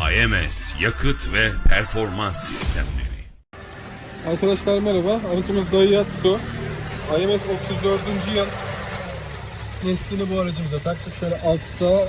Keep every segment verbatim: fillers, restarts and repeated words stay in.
I M S Yakıt ve Performans Sistemleri. Arkadaşlar merhaba. Aracımız Daihatsu I M S otuz dördüncü yıl neslini bu aracımıza taktık. Şöyle altta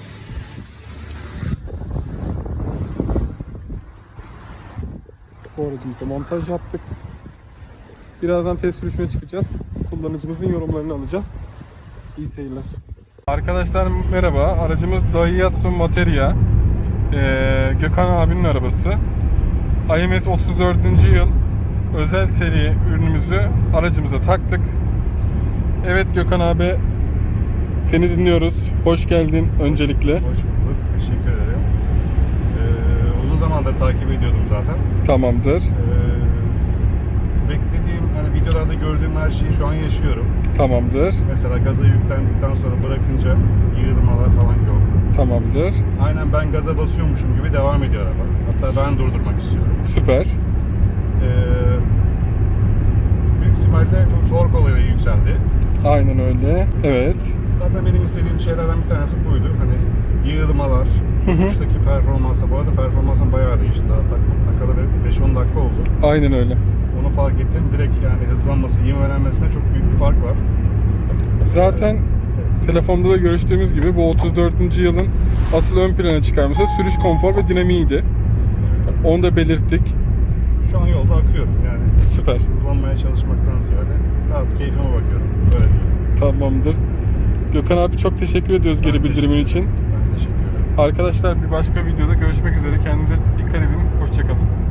bu aracımıza montaj yaptık. Birazdan test sürüşüne çıkacağız. Kullanıcımızın yorumlarını alacağız. İyi seyirler. Arkadaşlar merhaba. Aracımız Daihatsu Materia. Ee, Gökhan abinin arabası. I M S otuz dördüncü yıl özel seri ürünümüzü aracımıza taktık. Evet Gökhan abi, seni dinliyoruz. Hoş geldin öncelikle. Hoş bulduk. Teşekkür ederim. Ee, uzun zamandır takip ediyordum zaten. Tamamdır. Ee, beklediğim, hani videolarda gördüğüm her şeyi şu an yaşıyorum. Tamamdır. Mesela gaza yüklendikten sonra bırakınca yığılmalar falan yok. Tamamdır. Aynen ben gaza basıyormuşum gibi devam ediyor araba. Hatta ben durdurmak istiyorum. Süper. Ee, büyük ihtimalle bu tork olayı yükseldi. Aynen öyle. Evet. Zaten benim istediğim şeylerden bir tanesi buydu. Hani yığılmalar, uçtaki performansla. Bu arada performansın bayağı değişti. Daha tak, takalı beş on dakika oldu. Aynen öyle. Onu fark ettim. Direkt yani hızlanması, ivmelenmesine çok büyük bir fark var. Zaten telefonda da görüştüğümüz gibi bu otuz dördüncü yılın asıl ön plana çıkarması sürüş konfor ve dinamiğiydi. Onu da belirttik. Şu an yolda akıyorum yani. Süper. Hızlanmaya çalışmaktan ziyade rahat keyfime bakıyorum. Böyle diyeyim. Tamamdır. Gökhan abi çok teşekkür ediyoruz Ben geri bildirimin teşekkür için. Ben teşekkür ederim. Arkadaşlar bir başka videoda görüşmek üzere. Kendinize dikkat edin. Hoşçakalın.